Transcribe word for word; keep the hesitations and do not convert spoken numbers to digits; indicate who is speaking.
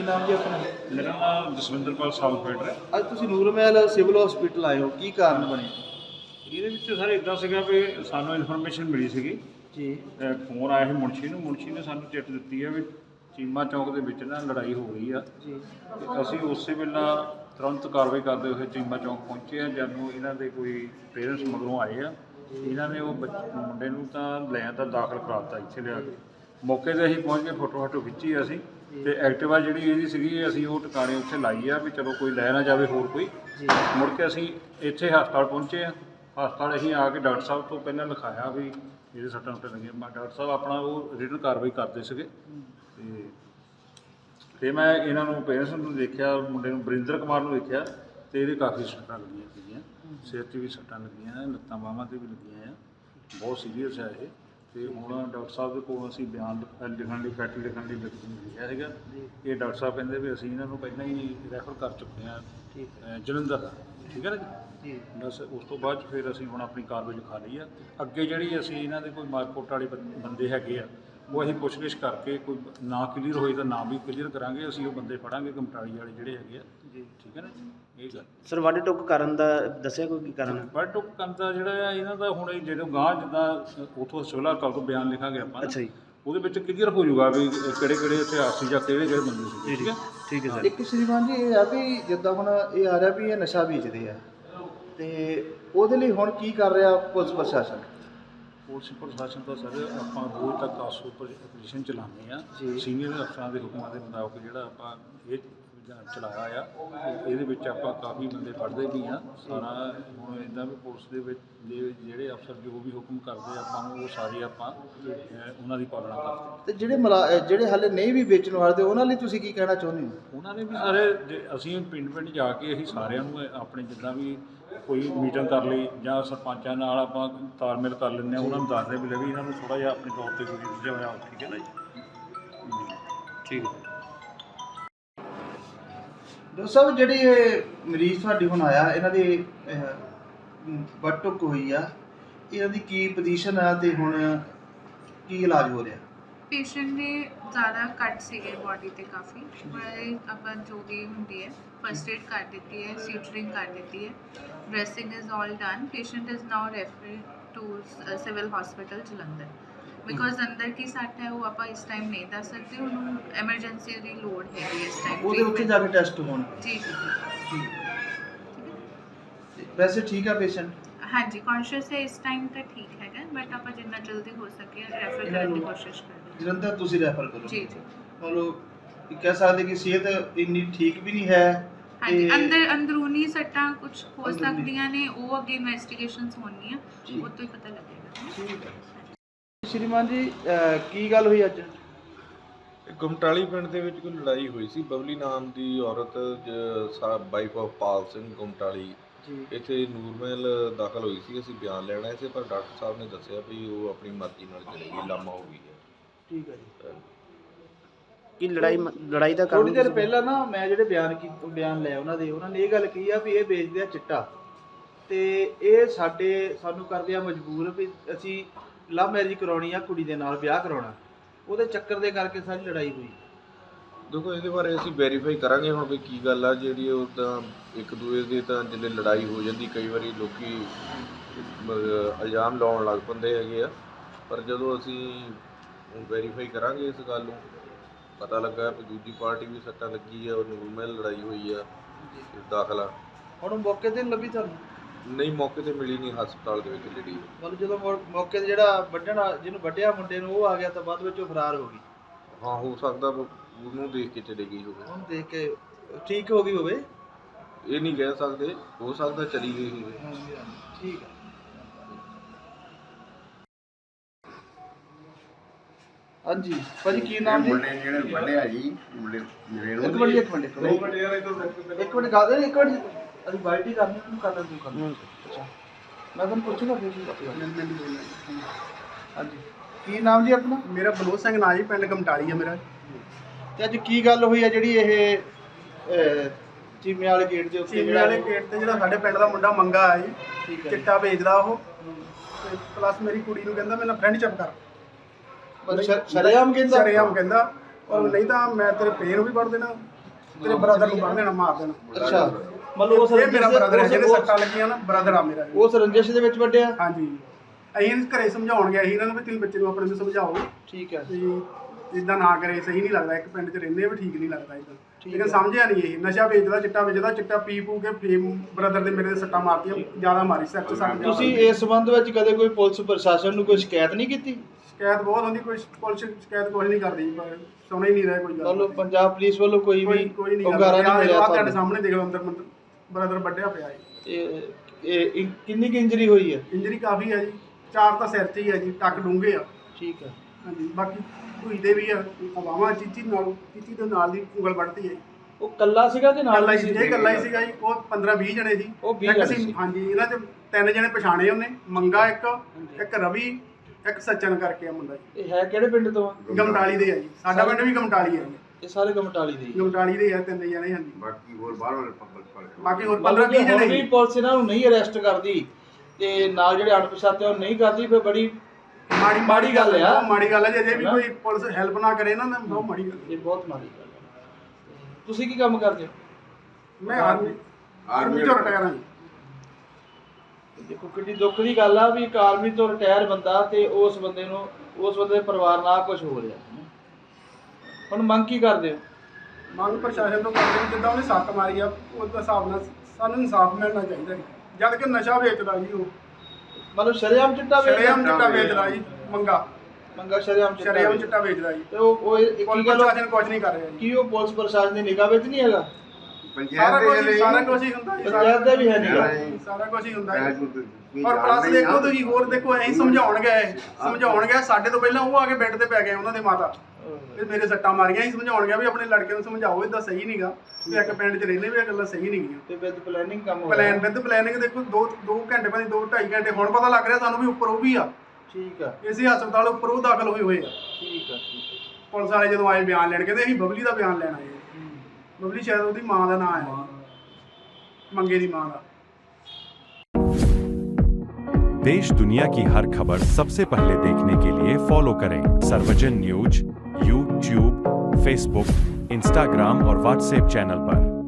Speaker 1: नाम जी अपना?
Speaker 2: मेरा नाम जसविंदरपाल साउथफील्ड है।
Speaker 1: ਅੱਜ ਤੁਸੀਂ ਨੂਰ ਮਹਿਲ ਸਿਵਲ ਹਸਪੀਟਲ ਆਏ ਹੋ, ਕੀ ਕਾਰਨ ਬਣੇ?
Speaker 2: ਇਹਦੇ ਵਿੱਚ ਸਰ ਇੱਦਾਂ ਸੀਗਾ ਵੀ ਸਾਨੂੰ ਇਨਫੋਰਮੇਸ਼ਨ ਮਿਲੀ ਸੀਗੀ,
Speaker 1: ਜੀ
Speaker 2: ਫੋਨ ਆਇਆ ਸੀ ਮੁਨਸ਼ੀ ਨੂੰ। ਮੁਨਸ਼ੀ ਨੇ ਸਾਨੂੰ ਚਿੱਠ ਦਿੱਤੀ ਹੈ ਵੀ ਚੀਮਾ ਚੌਂਕ ਦੇ ਵਿੱਚ ਨਾ ਲੜਾਈ ਹੋ ਰਹੀ ਆ।
Speaker 1: ਜੀ
Speaker 2: ਤੇ ਅਸੀਂ ਉਸੇ ਵੇਲੇ ਤੁਰੰਤ ਕਾਰਵਾਈ ਕਰਦੇ ਹੋਏ ਚੀਮਾ ਚੌਂਕ ਪਹੁੰਚੇ ਆ। ਜਦ ਨੂੰ ਇਹਨਾਂ ਦੇ ਕੋਈ ਪੇਰੈਂਟਸ ਮਗਰੋਂ ਆਏ ਆ, ਇਹਨਾਂ ਨੇ ਉਹ ਬੱਚ- ਮੁੰਡੇ ਨੂੰ ਤਾਂ ਲੈ ਤਾਂ ਦਾਖਲ ਕਰਾ ਦਿੱਤਾ ਇੱਥੇ ਲਿਆ ਕੇ। ਮੌਕੇ 'ਤੇ ਅਸੀਂ ਪਹੁੰਚ ਕੇ ਫੋਟੋ ਫਾਟੋ ਖਿੱਚੀ ਅਸੀਂ, ਤੇ ਐਕਟਿਵਾ ਜਿਹੜੀ ਇਹਦੀ ਸੀਗੀ ਅਸੀਂ ਉਹ ਟਿਕਾਣੇ ਉੱਥੇ ਲਾਈ ਆ ਵੀ ਚਲੋ ਕੋਈ ਲੈ ਨਾ ਜਾਵੇ ਹੋਰ ਕੋਈ।
Speaker 1: ਜੀ
Speaker 2: ਮੁੜ ਕੇ ਅਸੀਂ ਇੱਥੇ ਹਸਪਤਾਲ ਪਹੁੰਚੇ ਆ। ਹਸਪਤਾਲ ਅਸੀਂ ਆ ਕੇ ਡਾਕਟਰ ਸਾਹਿਬ ਤੋਂ ਪਹਿਲਾਂ ਲਿਖਾਇਆ ਵੀ ਇਹਦੇ ਸੱਟਾਂ ਸੁੱਟਾਂ ਲੱਗੀਆਂ। ਮੈਂ ਡਾਕਟਰ ਸਾਹਿਬ ਆਪਣਾ ਉਹ ਰਿਟਨ ਕਾਰਵਾਈ ਕਰਦੇ ਸੀਗੇ। ਤੇ ਫਿਰ ਮੈਂ ਇਹਨਾਂ ਨੂੰ ਪੇਰੈਂਟਸ ਨੂੰ ਦੇਖਿਆ, ਮੁੰਡੇ ਨੂੰ ਬਰਿੰਦਰ ਕੁਮਾਰ ਨੂੰ ਦੇਖਿਆ, ਤੇ ਇਹਦੇ ਕਾਫੀ ਸੱਟਾਂ ਲੱਗੀਆਂ ਸੀਗੀਆਂ। ਸਿਰ 'ਚ ਵੀ ਸੱਟਾਂ ਲੱਗੀਆਂ, ਲੱਤਾਂ ਬਾਹਾਂ 'ਤੇ ਵੀ ਲੱਗੀਆਂ ਆ, ਬਹੁਤ ਸੀਰੀਅਸ ਹੈ ਇਹ। ਤੇ ਹੁਣ ਡਾਕਟਰ ਸਾਹਿਬ ਦੇ ਕੋਲ ਅਸੀਂ ਬਿਆਨ ਲਿਖਣ ਲਈ ਫੈਕਟ ਲਿਖਣ ਲਈ ਲਿਖਿਆ ਸੀਗਾ। ਇਹ ਡਾਕਟਰ ਸਾਹਿਬ ਕਹਿੰਦੇ ਵੀ ਅਸੀਂ ਇਹਨਾਂ ਨੂੰ ਪਹਿਲਾਂ ਹੀ ਰੈਫਰ ਕਰ ਚੁੱਕੇ ਹਾਂ ਜਲੰਧਰ ਦਾ, ਠੀਕ ਹੈ ਨਾ ਜੀ। ਬਸ ਉਸ ਤੋਂ ਬਾਅਦ ਫਿਰ ਅਸੀਂ ਹੁਣ ਆਪਣੀ ਕਾਰਵਾਈ ਲਿਖਾ ਲਈ ਆ। ਅੱਗੇ ਜਿਹੜੀ ਅਸੀਂ ਇਹਨਾਂ ਦੇ ਕੋਈ ਮਾਰਕੋਟ ਵਾਲੇ ਬੰਦੇ ਹੈਗੇ ਆ, ਉਹ ਅਸੀਂ ਪੁੱਛਗਿੱਛ ਕਰਕੇ ਕੋਈ ਨਾ ਕਲੀਅਰ ਹੋਈ ਤਾਂ ਨਾ ਵੀ ਕਲੀਅਰ ਕਰਾਂਗੇ। ਅਸੀਂ ਉਹ ਬੰਦੇ ਫੜਾਂਗੇ ਕਮਟਾਲੀ ਵਾਲੇ ਜਿਹੜੇ ਹੈਗੇ ਆ ਜੀ, ਠੀਕ ਹੈ ਨਾ ਜੀ। ਇਹ ਗੱਲ
Speaker 3: ਸਰ ਵੱਢ ਟੁੱਕ ਕਰਨ ਦਾ ਦੱਸਿਆ ਕੋਈ ਕੀ ਕਾਰਨ?
Speaker 2: ਵੱਢ ਟੁੱਕ ਕਰਨ ਦਾ ਜਿਹੜਾ ਆ ਇਹਨਾਂ ਦਾ ਹੁਣ ਜਦੋਂ ਗਾਂਹ ਜਿੱਦਾਂ ਉੱਥੋਂ ਸਿਵਲ ਹਸਪਤਾਲ ਤੋਂ ਬਿਆਨ ਲਿਖਾਂਗੇ ਆਪਾਂ,
Speaker 3: ਅੱਛਾ ਜੀ,
Speaker 2: ਉਹਦੇ ਵਿੱਚ ਕਲੀਅਰ ਹੋ ਜਾਊਗਾ ਵੀ ਕਿਹੜੇ ਕਿਹੜੇ ਇਤਿਹਾਸ ਸੀ ਜਾਂ ਕਿਹੜੇ ਕਿਹੜੇ ਬੰਦੇ ਸੀ, ਠੀਕ ਹੈ
Speaker 3: ਠੀਕ ਹੈ ਸਰ।
Speaker 1: ਇੱਕ ਸ਼੍ਰੀਮਾਨ ਜੀ ਇਹ ਆ ਵੀ ਜਿੱਦਾਂ ਹੁਣ ਇਹ ਆ ਰਿਹਾ ਵੀ ਇਹ ਨਸ਼ਾ ਵੇਚਦੇ ਆ, ਤੇ ਉਹਦੇ ਲਈ ਹੁਣ ਕੀ ਕਰ ਰਿਹਾ ਪੁਲਿਸ ਪ੍ਰਸ਼ਾਸਨ?
Speaker 2: ਪੁਲਿਸ ਪ੍ਰਸ਼ਾਸਨ ਦਾ ਸਰ ਆਪਾਂ ਰੋਜ਼ ਤੱਕ ਦਸ ਉੱਪਰ ਐਪਲੀਕੇਸ਼ਨ ਚਲਾਉਂਦੇ ਆ। ਸੀਨੀਅਰ ਅਫਸਰਾਂ ਦੇ ਹੁਕਮਾਂ ਦੇ ਮੁਤਾਬਕ ਜਿਹੜਾ ਆਪਾਂ ਇਹ ਚਲਾਇਆ ਆ, ਇਹਦੇ ਵਿੱਚ ਆਪਾਂ ਕਾਫੀ ਬੰਦੇ ਫੜਦੇ ਵੀ ਆ। ਸਾਰਾ ਹੁਣ ਇੱਦਾਂ ਵੀ ਪੁਲਿਸ ਦੇ ਵਿੱਚ ਦੇ ਜਿਹੜੇ ਅਫਸਰ ਜੋ ਵੀ ਹੁਕਮ ਕਰਦੇ ਆਪਾਂ ਨੂੰ, ਉਹ ਸਾਰੇ ਆਪਾਂ ਉਹਨਾਂ ਦੀ ਪਾਲਣਾ ਕਰਦੇ।
Speaker 1: ਤੇ ਜਿਹੜੇ ਮਲਾ ਜਿਹੜੇ ਹਾਲੇ ਨਹੀਂ ਵੀ ਵੇਚਣ ਵਾਲੇ ਉਹਨਾਂ ਲਈ ਤੁਸੀਂ ਕੀ ਕਹਿਣਾ ਚਾਹੁੰਦੇ ਹੋ?
Speaker 2: ਉਹਨਾਂ ਨੇ ਵੀ ਸਾਰੇ ਜੇ ਅਸੀਂ ਪਿੰਡ ਪਿੰਡ ਜਾ ਕੇ ਅਸੀਂ ਸਾਰਿਆਂ ਨੂੰ ਆਪਣੇ ਜਿੱਦਾਂ ਵੀ ਕੋਈ ਮੀਟਿੰਗ ਕਰ ਲਈ ਜਾਂ ਸਰਪੰਚਾਂ ਨਾਲ ਆਪਾਂ ਤਾਲਮੇਲ ਕਰ ਲੈਂਦੇ ਹਾਂ, ਉਹਨਾਂ ਨੂੰ ਦੱਸਦੇ ਵੀ ਲੈ ਵੀ ਇਹਨਾਂ ਨੂੰ ਥੋੜ੍ਹਾ ਜਿਹਾ ਆਪਣੇ ਤੌਰ 'ਤੇ ਕੋਈ ਰਿਝਿਆ ਹੋਇਆ, ਠੀਕ ਹੈ ਨਾ ਜੀ। ਠੀਕ ਹੈ
Speaker 1: ਡਾਕਟਰ ਸਾਹਿਬ, ਜਿਹੜੀ ਇਹ ਮਰੀਜ਼ ਤੁਹਾਡੀ ਹੁਣ ਆਇਆ, ਇਹਨਾਂ ਦੀ ਵੱਢ ਟੁੱਕ ਹੋਈ ਆ, ਇਹਨਾਂ ਦੀ ਕੀ ਪੋਜੀਸ਼ਨ ਆ ਤੇ ਹੁਣ ਕੀ ਇਲਾਜ ਹੋ ਰਿਹਾ?
Speaker 4: ਪੇਸ਼ੈਂਟ ਦੇ ਜ਼ਿਆਦਾ ਕੱਟ ਸੀਗੇ ਬੋਡੀ ਤੇ ਕਾਫੀ, ਪਰ ਆਪਾਂ ਜੋ ਵੀ ਹੁੰਦੀ ਹੈ ਫਸਟ ਏਡ ਕਰ ਦਿੱਤੀ ਹੈ, ਸੀਟਰਿੰਗ ਕਰ ਦਿੱਤੀ ਹੈ, dressing is all done. Patient is now referred to civil hospital Jalandhar. Because ਅੰਦਰ ਕੀ ਸੱਟ ਹੈ ਉਹ ਆਪਾਂ ਇਸ ਟਾਈਮ ਨਹੀਂ ਦੱਸ ਸਕਦੇ, ਉਹਨੂੰ ਐਮਰਜੈਂਸੀ ਦੀ ਲੋੜ ਹੈਗੀ ਇਸ ਟਾਈਮ।
Speaker 1: ਉਹਦੇ ਉੱਤੇ ਜਾ ਕੇ ਟੈਸਟ ਹੋਣ?
Speaker 4: ਜੀ ਜੀ
Speaker 1: ਠੀਕ ਵੈਸੇ ਠੀਕ ਆ ਪੇਸ਼ੈਂਟ?
Speaker 4: ਹਾਂਜੀ, ਕੌਨਸ਼ੀਅਸ ਹੈ ਇਸ ਟਾਈਮ ਤਾਂ ਠੀਕ ਹੈਗਾ, ਬਟ ਆਪਾਂ ਜਿੰਨਾ ਜਲਦੀ ਹੋ ਸਕੇ ਰੈਫਰ ਕਰਨ ਦੀ ਕੋਸ਼ਿਸ਼ ਕਰਦੇ ਹਾਂ।
Speaker 1: ਜਲੰਧਰ ਤੁਸੀਂ ਰੈਫਰ ਕਰੋ? ਜੀ
Speaker 4: ਜੀ
Speaker 1: ਮਤਲਬ ਕਹਿ ਸਕਦੇ ਕਿ ਸਿਹਤ ਇੰਨੀ ਠੀਕ ਵੀ ਨਹੀਂ ਹੈ।
Speaker 4: ਹਾਂਜੀ, ਅੰਦਰ ਅੰਦਰੂਨੀ ਸੱਟਾਂ ਕੁਝ ਹੋ ਸਕਦੀਆਂ ਨੇ, ਉਹ ਅੱਗੇ ਇਨਵੈਸਟੀਗੇਸ਼ਨਸ ਹੋਣਗੀਆਂ, ਉਹ ਤੋਂ ਹੀ ਪਤਾ ਲੱਗੇਗਾ।
Speaker 1: ਠੀਕ ਹੈ ਸ਼੍ਰੀਮਾਨ ਜੀ, ਕੀ ਗੱਲ ਹੋਈ ਅੱਜ?
Speaker 5: ਗੁਮਟਾਲੀ ਪਿੰਡ ਦੇ ਵਿੱਚ ਕੋਈ ਲੜਾਈ ਹੋਈ ਸੀ। ਬਬਲੀ ਨਾਮ ਦੀ ਔਰਤ ਵਾਈਫ ਆਫ ਪਾਲ ਸਿੰਘ ਗੁਮਟਾਲੀ ਇੱਥੇ ਨੂਰਮਹਿਲ ਦਾਖਲ ਹੋਈ ਸੀ। ਅਸੀਂ ਬਿਆਨ ਲੈਣਾ ਆਏ ਸੀ, ਪਰ ਡਾਕਟਰ ਸਾਹਿਬ ਨੇ ਦੱਸਿਆ ਵੀ ਉਹ ਆਪਣੀ ਮਰਜ਼ੀ ਨਾਲ ਚਲੀ ਗਈ, ਲਾਮਾ ਹੋ ਗਈ ਹੈ।
Speaker 1: ਠੀਕ ਹੈ ਜੀ।
Speaker 3: ਕੀ ਲੜਾਈ ਲੜਾਈ ਦਾ
Speaker 1: ਥੋੜੀ
Speaker 3: ਕਾਰਨ?
Speaker 1: ਦੇਰ ਪਹਿਲਾਂ ਨਾ ਮੈਂ ਜਿਹੜੇ ਬਿਆਨ ਕੀ ਬਿਆਨ ਲਿਆ ਉਹਨਾਂ ਦੇ, ਉਹਨਾਂ ਨੇ ਇਹ ਗੱਲ ਕਹੀ ਆ ਵੀ ਇਹ ਵੇਚਦੇ ਆ ਚਿੱਟਾ, ਤੇ ਇਹ ਸਾਡੇ ਸਾਨੂੰ ਕਰਦੇ ਆ ਮਜਬੂਰ ਵੀ ਅਸੀਂ ਲਵ ਮੈਰਿਜ ਕਰਾਉਣੀ ਆ, ਕੁੜੀ ਦੇ ਨਾਲ ਵਿਆਹ ਕਰਾਉਣਾ, ਉਹਦੇ ਚੱਕਰ ਦੇ ਕਰਕੇ ਸਾਰੀ ਲੜਾਈ ਹੋਈ।
Speaker 5: ਦੇਖੋ ਇਹਦੇ ਬਾਰੇ ਅਸੀਂ ਵੈਰੀਫਾਈ ਕਰਾਂਗੇ ਹੁਣ ਵੀ ਕੀ ਗੱਲ ਆ। ਜਿਹੜੀ ਉਹ ਤਾਂ ਇੱਕ ਦੂਜੇ ਦੀ ਤਾਂ ਜਿਹੜੇ ਲੜਾਈ ਹੋ ਜਾਂਦੀ, ਕਈ ਵਾਰੀ ਲੋਕੀ ਇਲਜ਼ਾਮ ਲਾਉਣ ਲੱਗ ਪੈਂਦੇ ਹੈਗੇ ਆ, ਪਰ ਜਦੋਂ ਅਸੀਂ ਵੈਰੀਫਾਈ ਕਰਾਂਗੇ ਇਸ ਗੱਲ ਨੂੰ, ਪਤਾ ਲੱਗਾ ਕਿ ਦੂਜੀ ਪਾਰਟੀ ਵੀ ਸੱਟਾਂ ਲੱਗੀ ਆ, ਨੂਰਮਹਿਲ ਲੜਾਈ ਹੋਈ ਆ, ਦਾਖਲਾ
Speaker 1: ਹੁਣ ਮੌਕੇ ਤੇ ਲੱਭੀ ਤੁਹਾਨੂੰ?
Speaker 5: ਨਹੀਂ, ਮੌਕੇ ਤੇ ਮਿਲੀ ਨਹੀਂ ਹਸਪਤਾਲ ਦੇ ਵਿੱਚ ਜਿਹੜੀ।
Speaker 1: ਮਤਲਬ ਜਦੋਂ ਮੌਕੇ ਤੇ ਜਿਹੜਾ ਵੱਢਣ ਜਿਹਨੂੰ ਵੱਢਿਆ ਮੁੰਡੇ ਨੂੰ ਉਹ ਆ ਗਿਆ ਤਾਂ ਬਾਅਦ ਵਿੱਚ ਉਹ ਫਰਾਰ ਹੋ ਗਈ?
Speaker 5: ਹਾਂ, ਹੋ ਸਕਦਾ ਉਹਨੂੰ ਦੇਖ ਕੇ ਚਲੀ ਗਈ ਹੋਵੇ।
Speaker 1: ਉਹਨੂੰ ਦੇਖ ਕੇ ਠੀਕ ਹੋ ਗਈ ਹੋਵੇ,
Speaker 5: ਇਹ ਨਹੀਂ ਕਹਿ ਸਕਦੇ, ਹੋ ਸਕਦਾ ਚਲੀ ਗਈ ਹੋਵੇ।
Speaker 1: ਠੀਕ ਹੈ। ਹਾਂਜੀ ਭਾਜੀ, ਕੀ ਨਾਮ ਜੀ?
Speaker 6: ਮੁੰਡੇ ਜਿਹੜੇ ਵੱਢਿਆ ਜੀ, ਮੁੰਡੇ ਮੇਰੇ ਨੂੰ
Speaker 1: ਇੱਕ ਮਿੰਟ ਇੱਕ ਮਿੰਟ ਇੱਕ ਮਿੰਟ ਇੱਕ ਮਿੰਟ ਗਾ ਦੇ, ਇੱਕ ਮਿੰਟ ਅਸੀਂ ਬਾਲਟੀ ਕਰਨੀ ਤੂੰ ਕਰਨਾ ਤੂੰ ਕਰਨਾ। ਅੱਛਾ, ਮੈਂ ਤੁਹਾਨੂੰ ਪੁੱਛੂਗਾ ਫਿਰ ਕੀ? ਹਾਂਜੀ, ਕੀ ਨਾਮ ਜੀ ਆਪਣਾ?
Speaker 7: ਮੇਰਾ ਬਲੌਰ ਸਿੰਘ ਨਾਂ ਜੀ, ਪਿੰਡ ਗਮਟਾਲੀ ਆ ਮੇਰਾ।
Speaker 1: ਤੇ ਅੱਜ ਕੀ ਗੱਲ ਹੋਈ ਆ ਜਿਹੜੀ ਇਹ ਚੀਮੇ ਵਾਲੇ ਗੇਟ ਦੇ ਉੱਤੇ?
Speaker 7: ਚੀਮੇ ਵਾਲੇ ਗੇਟ ਤੇ ਜਿਹੜਾ ਸਾਡੇ ਪਿੰਡ ਦਾ ਮੁੰਡਾ ਮੰਗਾ ਆ ਜੀ,
Speaker 1: ਠੀਕ ਹੈ,
Speaker 7: ਚਿੱਟਾ ਵੇਚਦਾ ਉਹ, ਤੇ ਪਲੱਸ ਮੇਰੀ ਕੁੜੀ ਨੂੰ ਕਹਿੰਦਾ ਮੇਰਾ ਫਰੈਂਡ ਚਿਪ ਕਰ।
Speaker 1: ਸ਼ਰੇਆਮ ਕਹਿੰਦਾ?
Speaker 7: ਸ਼ਰੇਆਮ ਕਹਿੰਦਾ, ਔਰ ਨਹੀਂ ਤਾਂ ਮੈਂ ਤੇਰੇ ਪੇ ਨੂੰ ਵੀ ਵੜ ਦੇਣਾ, ਤੇਰੇ ਬ੍ਰਦਰ ਨੂੰ ਬੰਨ ਦੇਣਾ, ਮਾਰ ਦੇਣਾ।
Speaker 1: ਅੱਛਾ, ਮਤਲਬ ਉਸ
Speaker 7: ਇਹ ਮੇਰਾ
Speaker 1: ਰੰਜਿਸ਼-
Speaker 7: ਬ੍ਰਦਰ ਹੈ, ਜਿਹਨੇ
Speaker 1: ਉਸ-
Speaker 7: ਸੱਟਾਂ ਲੱਗੀਆਂ ਨਾ, ਬ੍ਰਦਰ ਆ ਮੇਰਾ ਇਹ।
Speaker 1: ਉਸ ਰੰਜਿਸ਼ ਦੇ ਵਿੱਚ ਵੱਢਿਆ।
Speaker 7: ਹਾਂਜੀ, ਅਸੀਂ ਇਹਨੂੰ ਘਰੇ ਸਮਝਾਉਣ ਗਏ ਸੀ ਇਹਨਾਂ ਨੂੰ ਵੀ ਤੁਸੀਂ ਬੱਚੇ ਨੂੰ ਆਪਣੇ ਨੂੰ ਸਮਝਾਓ
Speaker 1: ਠੀਕ ਹੈ।
Speaker 7: ਵੀ ਇਦਾਂ ਨਾ ਕਰੇ, ਸਹੀ ਨਹੀਂ ਲੱਗਦਾ, ਇੱਕ ਪਿੰਡ 'ਚ ਰਹਿੰਦੇ ਵੀ ਠੀਕ ਨਹੀਂ ਲੱਗਦਾ ਇਦਾਂ।
Speaker 1: ਠੀਕ
Speaker 7: ਲੇਕਿਨ
Speaker 1: ਹੈ।
Speaker 7: ਸਮਝਿਆ ਨਹੀਂ ਇਹ, ਨਸ਼ਾ ਵੇਚਦਾ, ਚਿੱਟਾ ਵੇਚਦਾ, ਚਿੱਟਾ ਪੀ ਪੂ ਕੇ ਫੇਮ ਬ੍ਰਦਰ ਦੇ ਮੇਰੇ ਦੇ ਸੱਟਾਂ ਮਾਰਤੀਆਂ, ਜ਼ਿਆਦਾ ਮਾਰੀ ਸਿਰ 'ਚ ਸੱਟ।
Speaker 1: ਤੁਸੀਂ ਇਸ ਸੰਬੰਧ ਵਿੱਚ ਕਦੇ ਕੋਈ ਪੁਲਿਸ ਪ੍ਰਸ਼ਾਸਨ ਨੂੰ ਕੋਈ ਸ਼ਿਕਾਇਤ ਨਹੀਂ ਕੀਤੀ?
Speaker 7: ਸ਼ਿਕਾਇਤ ਬਹੁਤ ਹੁੰਦੀ, ਕੋਈ ਪੁਲਿਸ ਸ਼ਿਕਾਇਤ ਕੁਛ ਨਹੀਂ ਕਰਦੀ, ਪਰ ਸੁਣ ਹੀ ਨਹੀਂ ਰਿਹਾ ਕੋਈ ਗੱਲ।
Speaker 1: ਮਤਲਬ ਪੰਜਾਬ ਪੁਲਿਸ ਵੱਲੋਂ ਕੋਈ
Speaker 7: ਕੋਈ
Speaker 1: ਵੀ
Speaker 7: ਕੋਈ ਨਹੀਂ
Speaker 1: ਹੁੰਗਾਰਾ ਨਹੀਂ ਮਿਲਿਆ
Speaker 7: ਤੁਹਾਡੇ
Speaker 1: ਤੁਹਾਨੂੰ?
Speaker 7: ਸਾਹਮਣੇ ਦੇਖ ਲਓ, ਅੰਦਰ ਬ੍ਰਦਰ ਵੱਢਿਆ ਪਿਆ ਹੈ।
Speaker 1: ਇਹ ਇਹ ਇ- ਕਿੰਨੀ ਕੁ ਇੰਜਰੀ ਹੋਈ ਹੈ?
Speaker 7: ਇੰਜਰੀ ਕਾਫੀ ਹੈ ਜੀ, ਚਾਰ ਤਾਂ ਸਿਰ 'ਚ ਹੀ ਹੈ ਜੀ, ਟੱਕ ਡੂੰਘੇ ਆ।
Speaker 1: ਠੀਕ ਹੈ।
Speaker 7: ਹਾਂਜੀ, ਬਾਕੀ ਧੂਈ ਦੇ ਵੀ ਆ, ਹਵਾਵਾਂ ਚੀਚੀ ਨਾਲ, ਚੀਚੀ ਦੇ ਨਾਲ ਦੀ ਉਂਗਲ ਵੱਢਤੀ ਹੈ।
Speaker 1: ਉਹ ਕੱਲਾ ਸੀਗਾ ਕਿ ਨਾਲ
Speaker 7: ਕੱਲਾ ਹੀ
Speaker 1: ਸੀ?
Speaker 7: ਸੀ, ਇਹ ਕੱਲਾ ਹੀ ਸੀਗਾ ਜੀ। ਉਹ ਪੰਦਰਾਂ ਵੀਹ ਜਣੇ ਸੀ।
Speaker 1: ਉਹ ਵੀਹ
Speaker 7: ਇੱਕ
Speaker 1: ਜਣੇ
Speaker 7: ਸੀ,
Speaker 1: ਸੀ।
Speaker 7: ਹਾਂਜੀ, ਇਹਨਾਂ 'ਚ ਤਿੰਨ ਜਣੇ ਪਛਾਣੇ ਉਹਨੇ, ਮੰਗਾ ਇੱਕ, ਇੱਕ ਰਵੀ, ਇੱਕ ਸੱਚਨ ਕਰਕੇ ਆ ਮੁੰਡਾ ਜੀ।
Speaker 1: ਇਹ ਹੈ ਕਿਹੜੇ ਪਿੰਡ ਤੋਂ ਆ?
Speaker 7: ਗਮਟਾਲੀ ਦੇ ਆ ਜੀ, ਸਾਡਾ ਪਿੰਡ ਵੀ ਗਮਟਾਲੀ ਹੈ ਜੀ।
Speaker 1: ਇਹ ਸਾਰੇ ਗਮਟਾਲੀ ਦੇ ਹੀ।
Speaker 7: ਗਮਟਾਲੀ ਦੇ ਆ ਤਿੰਨ ਜਣੇ। ਹਾਂਜੀ,
Speaker 6: ਬਾਕੀ ਹੋਰ ਬਾਹਰੋਂ ਪੱਪਲ ਪੜ
Speaker 7: ਬਾਕੀ ਹੋਰ ਪੰਦਰਾਂ
Speaker 1: ਮਤਲਬ
Speaker 7: ਵੀਹ
Speaker 1: ਜੇ ਹੁਣ
Speaker 7: ਜਣੇ
Speaker 1: ਵੀ
Speaker 7: ਸੀ।
Speaker 1: ਪੁਲਿਸ ਇਹਨਾਂ ਨੂੰ ਨਹੀਂ ਅਰੈਸਟ ਕਰਦੀ ਤੇ ਨਾਲ ਜਿਹੜੇ ਅਣਪਛਾਤੇ ਉਹ ਨਹੀਂ ਕਰਦੀ, ਫਿਰ ਬੜੀ
Speaker 7: ਮਾੜੀ
Speaker 1: ਮਾੜੀ ਗੱਲ ਆ।
Speaker 7: ਬਹੁਤ ਮਾੜੀ ਗੱਲ ਹੈ, ਜੇ ਅਜੇ ਵੀ ਕੋਈ ਪੁਲਿਸ ਹੈਲਪ ਨਾ ਕਰੇ ਨਾ, ਤਾਂ ਬਹੁਤ ਮਾੜੀ ਗੱਲ ਹੈ।
Speaker 1: ਇਹ ਬਹੁਤ ਮਾੜੀ ਗੱਲ ਹੈ। ਤੁਸੀਂ ਕੀ ਕੰਮ ਕਰਦੇ ਹੋ?
Speaker 7: ਮੈਂ ਆਰਮੀ ਆਰਮੀ ਚੋਂ ਰਿਟਾਇਰ ਹਾਂ ਜੀ।
Speaker 1: ਦੇਖੋ ਕਿੰਨੀ ਦੁੱਖ ਦੀ ਗੱਲ ਆ ਵੀ ਇੱਕ ਆਰਮੀ ਤੋਂ ਰਿਟਾਇਰ ਬੰਦਾ ਤੇ ਉਸ ਬੰਦੇ ਨੂੰ, ਉਸ ਬੰਦੇ ਦੇ ਪਰਿਵਾਰ ਨਾਲ ਕੁਝ ਹੋ ਰਿਹਾ। ਹੁਣ ਮੰਗ ਕੀ ਕਰਦੇ ਹੋ?
Speaker 7: ਮੰਗ ਪ੍ਰਸ਼ਾਸਨ ਤੋਂ ਕਰਦੇ ਵੀ ਜਿੱਦਾਂ ਉਹਨੇ ਸੱਟ ਮਾਰੀ ਆ, ਉਸ ਦੇ ਹਿਸਾਬ ਨਾਲ ਸਾਨੂੰ ਇਨਸਾਫ ਮਿਲਣਾ ਚਾਹੀਦਾ ਜੀ। ਜਦ ਕਿ ਨਸ਼ਾ ਵੇਚਦਾ ਜੀ, ਉਹ
Speaker 1: ਮਤਲਬ ਸ਼ਰੇਆਮ ਚਿੱਟਾ
Speaker 7: ਸ਼ਰੇਆਮ
Speaker 1: ਵੇਚਦਾ?
Speaker 7: ਚਿੱਟਾ ਵੇਚਦਾ ਜੀ, ਮੰਗਾ
Speaker 1: ਮੰਗਾ ਸ਼ਰੇਆਮ ਚਿੱਟਾ
Speaker 7: ਸ਼ਰੇਆਮ
Speaker 1: ਵੇਚਦਾ।
Speaker 7: ਚਿੱਟਾ ਵੇਚਦਾ ਜੀ।
Speaker 1: ਤੇ ਉਹ ਉਹ ਇਹ- ਕੀ
Speaker 7: ਪੁਲਿਸ
Speaker 1: ਗੱਲ
Speaker 7: ਪ੍ਰਸ਼ਾਸਨ ਕੁਝ ਨਹੀਂ ਕਰ ਰਿਹਾ ਜੀ।
Speaker 1: ਕੀ ਉਹ ਪੁਲਿਸ ਪ੍ਰਸ਼ਾਸਨ ਦੀ ਨਿਗਾਹ ਵਿੱਚ ਨਹੀਂ ਹੈਗਾ?
Speaker 7: ਸਾਰਾ ਕੁਝ ਹੀ- ਸਾਰਾ ਕੁਝ ਹੀ ਹੁੰਦਾ ਜੀ,
Speaker 1: ਪੰਚਾਇਤ ਦਾ ਵੀ ਹੈ ਨਹੀਂ ਗਾ।
Speaker 7: ਸਾਰਾ ਕੁਝ ਹੀ ਹੁੰਦਾ ਜੀ। ਪਰ ਪਲੱਸ ਦੇਖੋ ਤੁਸੀਂ, ਹੋਰ ਦੇਖੋ, ਅਸੀਂ ਸਮਝਾਉਣ ਗਏ ਸਮਝਾਉਣ ਗਏ ਸਾਡੇ ਤੋਂ ਪਹਿਲਾਂ ਉਹ ਆ ਕੇ ਬੈੱਡ ਤੇ ਪੈ ਗਏ, ਉਹਨਾਂ ਦੇ ਮਾਤਾ ਇਹ ਮੇਰੇ ਸੱਟਾਂ ਮਾਰੀਆਂ। ਅਸੀਂ ਸਮਝਾਉਣ ਗਿਆ ਵੀ ਆਪਣੇ ਲੜਕੇ ਨੂੰ ਸਮਝਾਓ, ਇਦਾਂ ਸਹੀ ਨਹੀਂਗਾ, ਵੀ ਇੱਕ ਪਿੰਡ 'ਚ ਰਹਿੰਦੇ ਵੀ ਇਹ ਗੱਲਾਂ ਸਹੀ ਨਹੀਂ ਗਈਆਂ।
Speaker 1: ਤੇ ਵਿਦ ਪਲੈਨਿੰਗ ਕੰਮ ਹੋ
Speaker 7: ਪਲਾਨ ਵਿਦ ਪਲੈਨਿੰਗ ਦੇਖੋ, ਦੋ ਦੋ ਘੰਟੇ ਬਾਅਦ ਦੋ ਢਾਈ ਘੰਟੇ ਹੁਣ ਪਤਾ ਲੱਗ ਰਿਹਾ ਸਾਨੂੰ ਵੀ ਉੱਪਰ ਉਹ ਵੀ ਆ,
Speaker 1: ਠੀਕ ਆ,
Speaker 7: ਇਸੇ ਹਸਪਤਾਲ ਉੱਪਰ ਉਹ ਦਾਖਲ ਹੋਏ ਹੋਏ ਆ।
Speaker 1: ਠੀਕ ਆ, ਠੀਕ
Speaker 7: ਪੁਲਿਸ ਵਾਲੇ ਜਦੋਂ ਆਏ ਬਿਆਨ ਲੈਣ, ਕਹਿੰਦੇ ਅਸੀਂ ਬਬਲੀ ਦਾ ਬਿਆਨ ਲੈਣ ਆਏ ਆ। ਬਬਲੀ ਸ਼ਾਇਦ ਉਹਦੀ ਮਾਂ ਦਾ ਨਾਂ ਹੈ, ਮੰਗੇ ਦੀ ਮਾਂ ਦਾ।
Speaker 8: देश दुनिया की हर खबर सबसे पहले देखने के लिए फॉलो करें Sarvajan news YouTube, Facebook, Instagram और व्हाट्सएप चैनल पर।